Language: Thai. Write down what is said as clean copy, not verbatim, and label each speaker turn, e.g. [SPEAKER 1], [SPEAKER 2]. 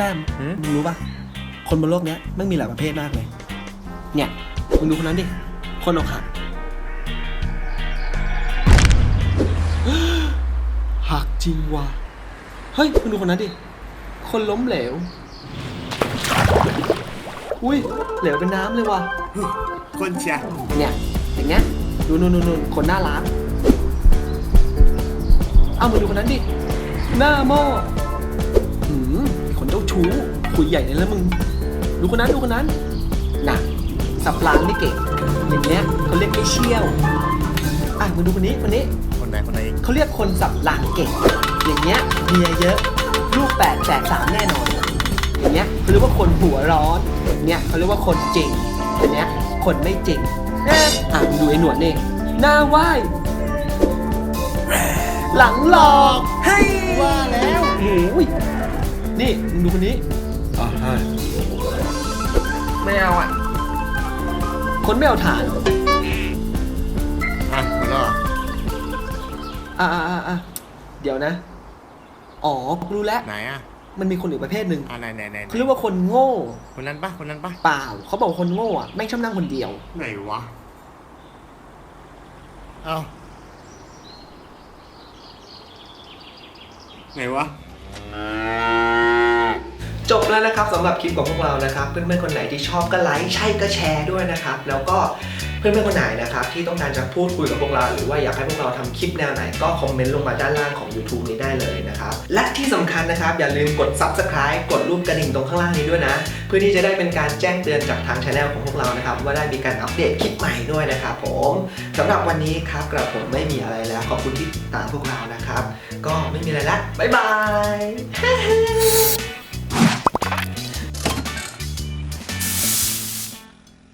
[SPEAKER 1] ต้มมึงรู้ป่ะคนบนโลกเนี้ยไม่มีหลายประเภทมากเลยเนี่ยมึงดูคนนั้นดิคนอกหักหักจริงว่ะเฮ้ยมึงดูคนนั้นดิคนล้มเหลวอุ้ยเหลวเป็นน้ำเลยว่ะ
[SPEAKER 2] คนเชียร์
[SPEAKER 1] เนี่ยอย่างเงี้ยดูนู่นคนน่ารักเอามาดูคนนั้นดิหน้าหม้อคนเจ้าชู้คุยใหญ่เลยแล้วมึงดูคนนั้นน่ะสับล้างไม่เก่งอย่างเงี้ยเขาเรียกไม่เชี่ยวมึงดูคนนี้
[SPEAKER 2] คนไหน
[SPEAKER 1] เขาเรียกคนสับล้างเก่งอย่างเงี้ยเมียเยอะลูก8 แฝด 3แน่นอนอย่างเงี้ยเขาเรียกว่าคนหัวร้อนอย่างเงี้ยเขาเรียกว่าคนจริงอย่างเงี้ยคนไม่จริงมึงดูไอ้หนวดนี่หน้าไหว้หลังหลอกให้
[SPEAKER 2] ว่าแล้ว
[SPEAKER 1] โอ้ยนี่มึงดูคนนี้ไม่เอาคนไม่เอาฐาน
[SPEAKER 2] หมดแล้วเหรอ
[SPEAKER 1] เดี๋ยวนะอ๋อรู้แล้ว
[SPEAKER 2] ไหน
[SPEAKER 1] มันมีคนอีกประเภทหนึ่ง
[SPEAKER 2] ไหน
[SPEAKER 1] เขาเรียกว่าคนโง่
[SPEAKER 2] คนนั้นปะ
[SPEAKER 1] เปล่าเขาบอกคนโง่แม่งชอบนั่งคนเดียว
[SPEAKER 2] ไหนวะเอาไหนวะ
[SPEAKER 1] จบแล้วนะครับสำหรับคลิปของพวกเรานะครับเพื่อนๆคนไหนที่ชอบก็ไลค์ใช่ก็แชร์ด้วยนะครับแล้วก็เพื่อนๆคนไหนนะครับที่ต้องการจะพูดคุยกับพวกเราหรือว่าอยากให้พวกเราทำคลิปแนวไหนก็คอมเมนต์ลงมาด้านล่างของ YouTube นี้ได้เลยนะครับและที่สำคัญนะครับอย่าลืมกด Subscribe กดรูปกระดิ่งตรงข้างล่างนี้ด้วยนะเพื่อที่จะได้เป็นการแจ้งเตือนจากทาง Channel ของพวกเรานะครับว่าได้มีการอัปเดตคลิปใหม่ด้วยนะครับผมสำหรับวันนี้ครับกระผมไม่มีอะไรแล้วขอบคุณที่ติดตามพวกเรานะครับก็ไม่มีอะไรละบ๊ายบาย